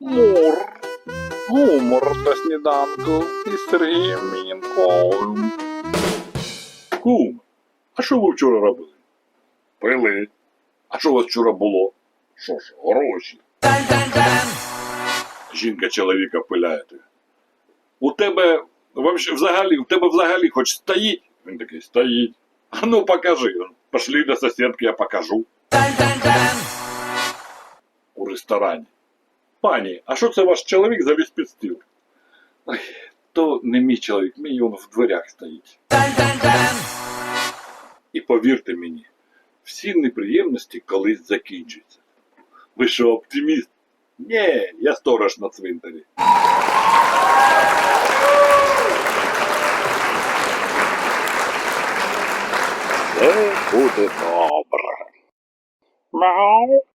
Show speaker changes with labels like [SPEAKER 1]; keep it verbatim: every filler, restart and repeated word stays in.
[SPEAKER 1] Мур. Гумор на сніданку із Сергієм Мінковим. Кум, а що ви вчора робили? Пили. А що у вас вчора було? Що ж, гроші. Жінка чоловіка пиляє. У тебе вообще, взагалі, у тебе взагалі хоч стоїть? Він такий, стоїть. А ну покажи. Пошли до сусідки, я покажу. У ресторані. Пані, а що це ваш чоловік завіз під стіл? Ой, то не мій чоловік, мій він в дверях стоїть. І повірте мені, всі неприємності колись закінчаться. Ви що, оптиміст? Ні, я сторож на цвинтарі. Все буде добре. Мяу.